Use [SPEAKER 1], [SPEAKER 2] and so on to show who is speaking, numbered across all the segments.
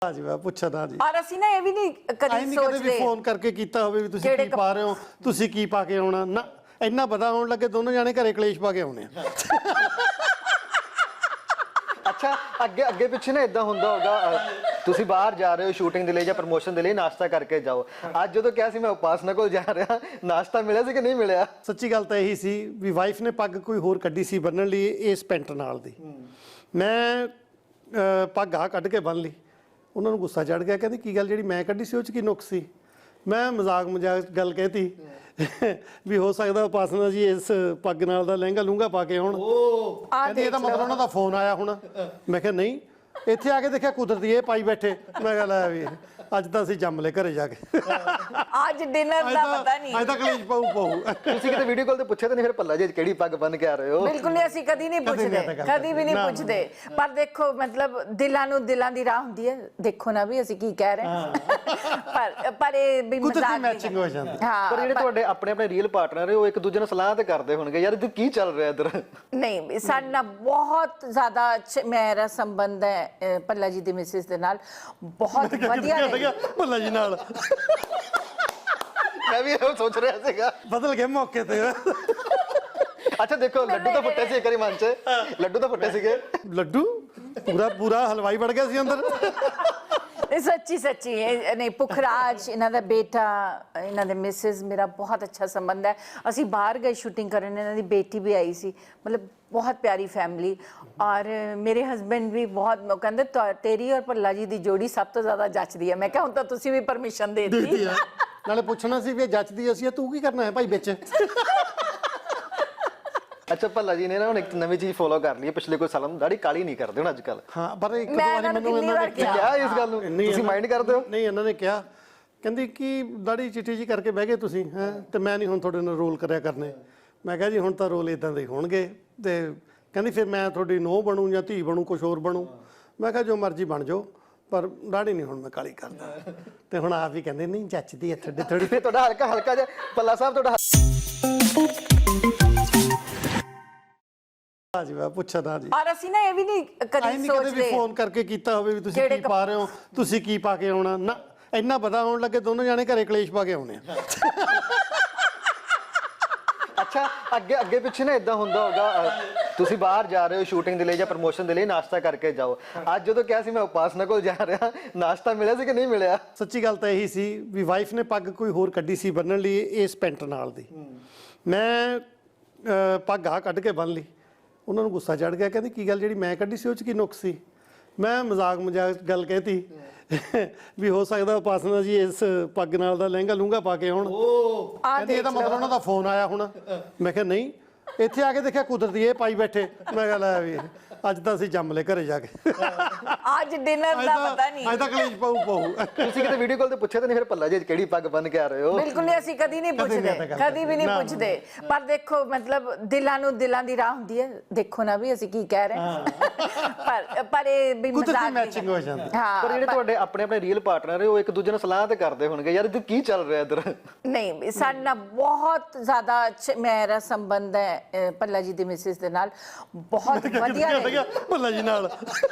[SPEAKER 1] हाँ जी, मैं पुछा ना जी।
[SPEAKER 2] और ਅਸੀਂ ਨਾ ਇਹ ਵੀ ਨਹੀਂ ਕਦੀ ਸੋਚਦੇ
[SPEAKER 1] ਫੋਨ ਕਰਕੇ ਕੀਤਾ ਹੋਵੇ ਵੀ ਤੁਸੀਂ ਕੀ ਪਾ ਰਹੇ ਹੋ, ਤੁਸੀਂ ਕੀ ਪਾ ਕੇ ਆਉਣਾ ਨਾ, ਇੰਨਾ ਪਤਾ ਹੋਣ ਲੱਗੇ ਦੋਨੋਂ ਜਾਣੇ ਘਰੇ ਕਲੇਸ਼ ਪਾ ਕੇ ਆਉਣੇ ਆ।
[SPEAKER 3] ਅੱਛਾ, ਅੱਗੇ ਅੱਗੇ ਪਿੱਛੇ ਨਾ ਇਦਾਂ ਹੁੰਦਾ ਹੋਗਾ, ਤੁਸੀਂ ਬਾਹਰ ਜਾ ਰਹੇ ਹੋ ਸ਼ੂਟਿੰਗ ਦੇ ਲਈ ਜਾਂ ਪ੍ਰਮੋਸ਼ਨ ਦੇ ਲਈ, ਨਾਸ਼ਤਾ ਕਰਕੇ ਜਾਓ। ਅੱਜ ਜਦੋਂ ਕਿਹਾ ਸੀ ਮੈਂ ਉਪਾਸਨਾ ਕੋਲ ਜਾ ਰਿਹਾ, ਨਾਸ਼ਤਾ ਮਿਲਿਆ ਸੀ ਕਿ ਨਹੀਂ ਮਿਲਿਆ?
[SPEAKER 1] ਸੱਚੀ ਗੱਲ ਤਾਂ ਇਹੀ ਸੀ ਵੀ ਵਾਈਫ ਨੇ ਪੱਗ ਕੋਈ ਹੋਰ ਕੱਢੀ ਸੀ ਬੰਨਣ ਲਈ ਇਸ ਪੈਂਟ ਨਾਲ ਦੀ, ਮੈਂ ਪੱਗ ਆ ਕੱਢ ਕੇ ਬੰਨ ਲਈ। ਉਹਨਾਂ ਨੂੰ ਗੁੱਸਾ ਚੜ ਗਿਆ, ਕਹਿੰਦੇ ਕੀ ਗੱਲ ਜਿਹੜੀ ਮੈਂ ਕੱਢੀ ਸੀ ਉਹ 'ਚ ਕੀ ਨੁਕਸ ਸੀ? ਮੈਂ ਮਜ਼ਾਕ ਗੱਲ ਕਹਿਤੀ ਵੀ ਹੋ ਸਕਦਾ ਉਪਾਸਨਾ ਜੀ ਇਸ ਪੱਗ ਨਾਲ ਦਾ ਲਹਿੰਗਾ ਲੂੰਗਾ ਪਾ ਕੇ ਆਉਣ। ਕਹਿੰਦੇ ਇਹਦਾ ਮਤਲਬ ਉਹਨਾਂ ਦਾ ਫੋਨ ਆਇਆ ਹੁਣ। ਮੈਂ ਕਿਹਾ ਨਹੀਂ, ਇੱਥੇ ਆ ਕੇ ਦੇਖਿਆ ਕੁਦਰਤੀ ਇਹ ਪਾਈ ਬੈਠੇ। ਮੈਂ ਕਿਹਾ ਲੈ ਵੀ ਅੱਜ ਤਾਂ ਅਸੀਂ ਜੰਮ ਲੈ ਘਰੇ ਜਾ ਕੇ।
[SPEAKER 2] ਅੱਜ ਡਿਨਰ ਦਾ ਪਤਾ ਨਹੀਂ,
[SPEAKER 1] ਅੱਜ ਤਾਂ ਕਲੇਸ਼ ਪਾਉ।
[SPEAKER 3] ਤੁਸੀਂ ਕਿਤੇ ਵੀਡੀਓ ਕਾਲ ਤੇ ਪੁੱਛਿਆ ਤਾਂ ਨਹੀਂ ਫਿਰ ਭੱਲਾ ਜੀ ਕਿਹੜੀ ਪੱਗ ਬੰਨ ਕੇ ਆ ਰਹੇ ਹੋ?
[SPEAKER 2] ਬਿਲਕੁਲ ਨਹੀਂ, ਅਸੀਂ ਕਦੀ ਨਹੀਂ ਪੁੱਛਦੇ, ਕਦੀ ਵੀ ਨਹੀਂ ਪੁੱਛਦੇ। ਪਰ ਦੇਖੋ ਮਤਲਬ ਦਿਲਾਂ ਨੂੰ ਦਿਲਾਂ ਦੀ ਰਾਹ ਹੁੰਦੀ ਹੈ, ਦੇਖੋ ਨਾ ਵੀ ਅਸੀਂ ਕੀ ਕਹਿ ਰਹੇ ਹਾਂ। ਪਰ ਇਹ ਵੀ ਮਜ਼ਾਕ
[SPEAKER 1] ਮੈਚਿੰਗ ਹੋ ਜਾਂਦੀ।
[SPEAKER 3] ਪਰ ਜਿਹੜੇ ਤੁਹਾਡੇ ਆਪਣੇ ਆਪਣੇ ਰੀਅਲ ਪਾਰਟਨਰ ਹੈ ਉਹ ਇੱਕ ਦੂਜੇ ਨਾਲ ਸਲਾਹ ਤੇ ਕਰਦੇ ਹੋਣਗੇ, ਯਾਰ ਇਹ ਕੀ ਚੱਲ ਰਿਹਾ ਇੱਧਰ?
[SPEAKER 2] ਨਹੀਂ, ਸਾਡੇ ਨਾਲ ਬਹੁਤ ਜ਼ਿਆਦਾ ਮੇਰਾ ਸੰਬੰਧ ਹੈ ਭੱਲਾ ਜੀ ਦੀ ਮਿਸਿਸ ਦੇ ਨਾਲ, ਬਹੁਤ ਵਧੀਆ।
[SPEAKER 1] ਭੱਲਾ ਜੀ ਨਾਲ
[SPEAKER 3] ਮੈਂ ਵੀ ਇਹ ਸੋਚ ਰਿਹਾ ਸੀਗਾ,
[SPEAKER 1] ਬਦਲ ਗਏ ਮੌਕੇ ਤੇ।
[SPEAKER 3] ਅੱਛਾ ਦੇਖੋ, ਲੱਡੂ ਤਾਂ ਫੁੱਟੇ ਸੀ ਇੱਕ ਵਾਰੀ ਮਨ 'ਚ, ਲੱਡੂ ਤਾਂ ਫੁੱਟੇ ਸੀਗੇ।
[SPEAKER 1] ਲੱਡੂ ਪੂਰਾ ਹਲਵਾਈ ਵੜ ਗਿਆ ਸੀ ਅੰਦਰ।
[SPEAKER 2] ਸੱਚੀ ਨਹੀਂ, ਪੁਖਰਾਜ ਇਹਨਾਂ ਦਾ ਬੇਟਾ, ਇਹਨਾਂ ਦੇ ਮਿਸਿਸ, ਮੇਰਾ ਬਹੁਤ ਅੱਛਾ ਸੰਬੰਧ ਹੈ। ਅਸੀਂ ਬਾਹਰ ਗਏ ਸ਼ੂਟਿੰਗ ਕਰਨ, ਇਹਨਾਂ ਦੀ ਬੇਟੀ ਵੀ ਆਈ ਸੀ, ਮਤਲਬ ਬਹੁਤ ਪਿਆਰੀ ਫੈਮਿਲੀ। ਔਰ ਮੇਰੇ ਹਸਬੈਂਡ ਵੀ ਬਹੁਤ ਕਹਿੰਦੇ ਤੇਰੀ ਔਰ ਭੱਲਾ ਜੀ ਦੀ ਜੋੜੀ ਸਭ ਤੋਂ ਜ਼ਿਆਦਾ ਜੱਚਦੀ ਹੈ। ਮੈਂ ਕਿਹਾ ਹੁਣ ਤਾਂ ਤੁਸੀਂ ਵੀ ਪਰਮਿਸ਼ਨ ਦੇ ਦਿੱਤੀ।
[SPEAKER 1] ਨਾਲੇ ਪੁੱਛਣਾ ਸੀ ਵੀ ਜੱਚਦੀ ਅਸੀਂ, ਤੂੰ ਕੀ ਕਰਨਾ ਹੈ ਭਾਈ ਵਿੱਚ?
[SPEAKER 3] ਅੱਛਾ, ਭੱਲਾ ਜੀ ਨੇ ਨਾ ਹੁਣ ਇੱਕ ਨਵੀਂ ਚੀਜ਼ ਫੋਲੋ ਕਰ ਲਈ ਹੈ, ਪਿਛਲੇ ਕੋਈ ਸਾਲਾਂ ਤੋਂ ਦਾੜੀ ਕਾਲੀ ਨਹੀਂ ਕਰਦੇ ਹੁਣ ਅੱਜ ਕੱਲ।
[SPEAKER 1] ਹਾਂ, ਪਰ ਇੱਕ ਦੋ
[SPEAKER 2] ਮੈਂ
[SPEAKER 1] ਵਾਰੀ ਮੈਨੂੰ ਇਹਨਾਂ ਨੇ
[SPEAKER 3] ਕਿਹਾ ਇਸ ਗੱਲ ਨੂੰ, ਤੁਸੀਂ ਮਾਈਂਡ ਕਰਦੇ ਹੋ?
[SPEAKER 1] ਨਹੀਂ, ਇਹਨਾਂ ਨੇ ਕਿਹਾ, ਕਹਿੰਦੀ ਕਿ ਦਾੜੀ ਚਿੱਟੀ ਜੀ ਕਰਕੇ ਬਹਿ ਗਏ ਤੁਸੀਂ ਹੈ, ਤੇ ਮੈਂ ਨਹੀਂ ਹੁਣ ਤੁਹਾਡੇ ਨਾਲ ਰੋਲ ਕਰਿਆ ਕਰਨੇ। ਮੈਂ ਕਿਹਾ ਜੀ ਹੁਣ ਤਾਂ ਰੋਲ ਇਦਾਂ ਦੇ ਹੋਣਗੇ। ਤੇ ਕਹਿੰਦੀ ਫਿਰ ਮੈਂ ਤੁਹਾਡੀ ਨੂੰਹ ਬਣੂ ਜਾਂ ਧੀ ਬਣੂ, ਕੁਛ ਹੋਰ ਬਣੂ। ਮੈਂ ਕਿਹਾ ਜੋ ਮਰਜ਼ੀ ਬਣ ਜਾਓ, ਪਰ ਦਾੜੀ ਨਹੀਂ ਹੁਣ ਮੈਂ ਕਾਲੀ ਕਰਦਾ। ਤੇ ਹੁਣ ਆਪ ਹੀ ਕਹਿੰਦੇ ਨਹੀਂ ਜੱਚਦੀ ਹੈ ਥੋੜੀ।
[SPEAKER 3] ਫਿਰ ਤੁਹਾਡਾ ਹਲਕਾ ਜਿਹਾ ਭੱਲਾ ਸਾਹਿਬ ਤੁਹਾਡਾ
[SPEAKER 1] ਹਾਂ ਜੀ, ਮੈਂ ਪੁੱਛਾ ਨਾ ਜੀ।
[SPEAKER 2] ਔਰ ਅਸੀਂ ਨਾ ਇਹ ਵੀ ਨਹੀਂ ਕਦੀ ਸੋਚਦੇ
[SPEAKER 1] ਫੋਨ ਕਰਕੇ ਕੀਤਾ ਹੋਵੇ ਵੀ ਤੁਸੀਂ ਕੀ ਪਾ ਰਹੇ ਹੋ, ਤੁਸੀਂ ਕੀ ਪਾ ਕੇ ਆਉਣਾ ਨਾ, ਇੰਨਾ ਪਤਾ ਹੋਣ ਲੱਗੇ ਦੋਨੋਂ ਜਾਣੇ ਘਰੇ ਕਲੇਸ਼ ਪਾ ਕੇ ਆਉਣੇ ਆ।
[SPEAKER 3] ਅੱਛਾ, ਅੱਗੇ ਪਿੱਛੇ ਨਾ ਇਦਾਂ ਹੁੰਦਾ ਹੋਗਾ, ਤੁਸੀਂ ਬਾਹਰ ਜਾ ਰਹੇ ਹੋ ਸ਼ੂਟਿੰਗ ਦੇ ਲਈ ਜਾਂ ਪ੍ਰਮੋਸ਼ਨ ਦੇ ਲਈ, ਨਾਸ਼ਤਾ ਕਰਕੇ ਜਾਓ। ਅੱਜ ਜਦੋਂ ਕਿਹਾ ਸੀ ਮੈਂ ਉਪਾਸਨਾ ਕੋਲ ਜਾ ਰਿਹਾ, ਨਾਸ਼ਤਾ ਮਿਲਿਆ ਸੀ ਕਿ ਨਹੀਂ ਮਿਲਿਆ?
[SPEAKER 1] ਸੱਚੀ ਗੱਲ ਤਾਂ ਇਹੀ ਸੀ ਵੀ ਵਾਈਫ ਨੇ ਪੱਗ ਕੋਈ ਹੋਰ ਕੱਢੀ ਸੀ ਬੰਨਣ ਲਈ ਇਸ ਪੈਂਟ ਨਾਲ ਦੀ, ਮੈਂ ਪੱਗ ਆ ਕੱਢ ਕੇ ਬੰਨ ਲਈ। ਉਹਨਾਂ ਨੂੰ ਗੁੱਸਾ ਚੜ ਗਿਆ, ਕਹਿੰਦੇ ਕੀ ਗੱਲ ਜਿਹੜੀ ਮੈਂ ਕੱਢੀ ਸੀ ਉਹ 'ਚ ਕੀ ਨੁਕਸ ਸੀ? ਮੈਂ ਮਜ਼ਾਕ ਗੱਲ ਕਹਿਤੀ ਵੀ ਹੋ ਸਕਦਾ ਉਪਾਸਨਾ ਜੀ ਇਸ ਪੱਗ ਨਾਲ ਦਾ ਲਹਿੰਗਾ ਲੂੰਗਾ ਪਾ ਕੇ ਆਉਣ। ਕਹਿੰਦੇ ਇਹਦਾ ਮਤਲਬ ਉਹਨਾਂ ਦਾ ਫੋਨ ਆਇਆ ਹੁਣ। ਮੈਂ ਕਿਹਾ ਨਹੀਂ, ਇੱਥੇ ਆ ਕੇ ਦੇਖਿਆ ਕੁਦਰਤੀ ਇਹ ਪਾਈ ਬੈਠੇ। ਮੈਂ ਕਿਹਾ ਲੈ ਵੀ ਅੱਜ ਤਾਂ ਅਸੀਂ ਜੰਮ ਲੈ ਘਰੇ ਜਾ ਕੇ।
[SPEAKER 2] ਅੱਜ ਡਿਨਰ ਦਾ ਪਤਾ ਨਹੀਂ,
[SPEAKER 1] ਅੱਜ ਤਾਂ ਕਲੇਸ਼ ਪਾਉ।
[SPEAKER 3] ਤੁਸੀਂ ਕਿਤੇ ਵੀਡੀਓ ਕਾਲ ਤੇ ਪੁੱਛਿਆ ਤਾਂ ਨਹੀਂ ਫਿਰ ਭੱਲਾ ਜੀ ਕਿਹੜੀ ਪੱਗ ਬੰਨ ਕੇ ਆ ਰਹੇ ਹੋ?
[SPEAKER 2] ਬਿਲਕੁਲ ਨਹੀਂ, ਅਸੀਂ ਕਦੀ ਨਹੀਂ ਪੁੱਛਦੇ, ਕਦੀ ਵੀ ਨਹੀਂ ਪੁੱਛਦੇ। ਪਰ ਦੇਖੋ ਮਤਲਬ ਦਿਲਾਂ ਨੂੰ ਦਿਲਾਂ ਦੀ ਰਾਹ ਹੁੰਦੀ ਹੈ, ਦੇਖੋ ਨਾ ਵੀ ਅਸੀਂ ਕੀ ਕਹਿ ਰਹੇ ਹਾਂ। ਪਰ ਇਹ ਵੀ ਮਜ਼ਾਕ
[SPEAKER 1] ਮੈਚਿੰਗ ਹੋ ਜਾਂਦੀ।
[SPEAKER 3] ਪਰ ਜਿਹੜੇ ਤੁਹਾਡੇ ਆਪਣੇ ਆਪਣੇ ਰੀਅਲ ਪਾਰਟਨਰ ਹੈ ਉਹ ਇੱਕ ਦੂਜੇ ਨਾਲ ਸਲਾਹ ਤੇ ਕਰਦੇ ਹੋਣਗੇ, ਯਾਰ ਇਹ ਕੀ ਚੱਲ ਰਿਹਾ ਇੱਧਰ?
[SPEAKER 2] ਨਹੀਂ, ਸਾਡੇ ਨਾਲ ਬਹੁਤ ਜ਼ਿਆਦਾ ਮੇਰਾ ਸੰਬੰਧ ਹੈ ਭੱਲਾ ਜੀ ਦੀ ਮਿਸਿਸ ਦੇ ਨਾਲ, ਬਹੁਤ ਵਧੀਆ।
[SPEAKER 1] ਭੱਲਾ ਜੀ ਨਾਲ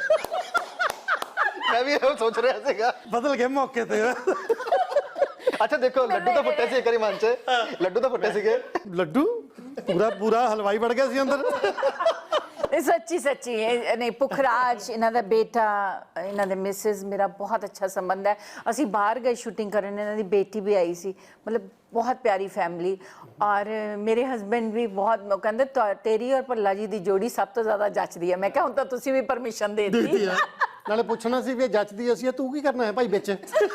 [SPEAKER 3] ਮੈਂ ਵੀ ਇਹ ਸੋਚ ਰਿਹਾ ਸੀਗਾ,
[SPEAKER 1] ਬਦਲ ਗਏ ਮੌਕੇ ਤੇ।
[SPEAKER 3] ਅੱਛਾ ਦੇਖੋ, ਲੱਡੂ ਤਾਂ ਫੁੱਟੇ ਸੀ ਇੱਕ ਵਾਰੀ ਮਨ 'ਚ, ਲੱਡੂ ਤਾਂ ਫੁੱਟੇ ਸੀਗੇ।
[SPEAKER 1] ਲੱਡੂ ਪੂਰਾ ਹਲਵਾਈ ਵੜ ਗਿਆ ਸੀ ਅੰਦਰ।
[SPEAKER 2] ਸੱਚੀ ਨਹੀਂ, ਪੁਖਰਾਜ ਇਹਨਾਂ ਦਾ ਬੇਟਾ, ਇਹਨਾਂ ਦੇ ਮਿਸਿਸ, ਮੇਰਾ ਬਹੁਤ ਅੱਛਾ ਸੰਬੰਧ ਹੈ। ਅਸੀਂ ਬਾਹਰ ਗਏ ਸ਼ੂਟਿੰਗ ਕਰਨ, ਇਹਨਾਂ ਦੀ ਬੇਟੀ ਵੀ ਆਈ ਸੀ, ਮਤਲਬ ਬਹੁਤ ਪਿਆਰੀ ਫੈਮਿਲੀ। ਔਰ ਮੇਰੇ ਹਸਬੈਂਡ ਵੀ ਬਹੁਤ ਕਹਿੰਦੇ ਤੇਰੀ ਔਰ ਭੱਲਾ ਜੀ ਦੀ ਜੋੜੀ ਸਭ ਤੋਂ ਜ਼ਿਆਦਾ ਜੱਚਦੀ ਹੈ। ਮੈਂ ਕਿਹਾ ਹੁਣ ਤਾਂ ਤੁਸੀਂ ਵੀ ਪਰਮਿਸ਼ਨ ਦੇ ਦਿੱਤੀ।
[SPEAKER 1] ਨਾਲੇ ਪੁੱਛਣਾ ਸੀ ਵੀ ਜੱਚਦੀ ਅਸੀਂ, ਤੂੰ ਕੀ ਕਰਨਾ ਹੈ ਭਾਈ ਵਿੱਚ?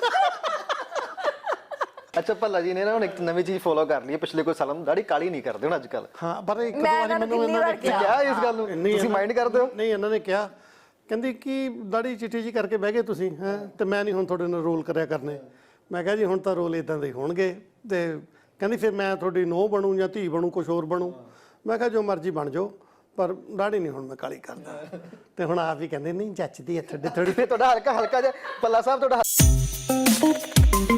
[SPEAKER 3] ਅੱਛਾ, ਭੱਲਾ ਜੀ ਨੇ ਨਾ ਹੁਣ ਇੱਕ ਨਵੀਂ ਚੀਜ਼ ਫੋਲੋ ਕਰ ਲਈ ਹੈ, ਪਿਛਲੇ ਕੋਈ ਸਾਲਾਂ ਤੋਂ ਦਾੜੀ ਕਾਲੀ ਨਹੀਂ ਕਰਦੇ ਹੁਣ ਅੱਜ ਕੱਲ।
[SPEAKER 1] ਹਾਂ, ਪਰ ਇੱਕ ਦੋ ਵਾਰੀ ਮੈਨੂੰ ਇਹਨਾਂ ਨੇ
[SPEAKER 3] ਕਿਹਾ ਇਸ ਗੱਲ ਨੂੰ, ਤੁਸੀਂ ਮਾਈਂਡ ਕਰਦੇ ਹੋ?
[SPEAKER 1] ਨਹੀਂ, ਇਹਨਾਂ ਨੇ ਕਿਹਾ, ਕਹਿੰਦੀ ਕਿ ਦਾੜੀ ਚਿੱਟੀ ਜੀ ਕਰਕੇ ਬਹਿ ਗਏ ਤੁਸੀਂ ਹੈ, ਤੇ ਮੈਂ ਨਹੀਂ ਹੁਣ ਤੁਹਾਡੇ ਨਾਲ ਰੋਲ ਕਰਿਆ ਕਰਨੇ। ਮੈਂ ਕਿਹਾ ਜੀ ਹੁਣ ਤਾਂ ਰੋਲ ਇਦਾਂ ਦੇ ਹੋਣਗੇ। ਤੇ ਕਹਿੰਦੀ ਫਿਰ ਮੈਂ ਤੁਹਾਡੀ ਨੂੰਹ ਬਣੂ ਜਾਂ ਧੀ ਬਣੂ, ਕੁਛ ਹੋਰ ਬਣੂ। ਮੈਂ ਕਿਹਾ ਜੋ ਮਰਜ਼ੀ ਬਣ ਜਾਓ, ਪਰ ਦਾੜੀ ਨਹੀਂ ਹੁਣ ਮੈਂ ਕਾਲੀ ਕਰਦਾ। ਤੇ ਹੁਣ ਆਪ ਹੀ ਕਹਿੰਦੇ ਨਹੀਂ ਜੱਚਦੀ ਹੈ ਥੋੜੀ।
[SPEAKER 3] ਫਿਰ ਤੁਹਾਡਾ ਹਲਕਾ ਜਿਹਾ ਭੱਲਾ ਸਾਹਿਬ ਤੁਹਾਡਾ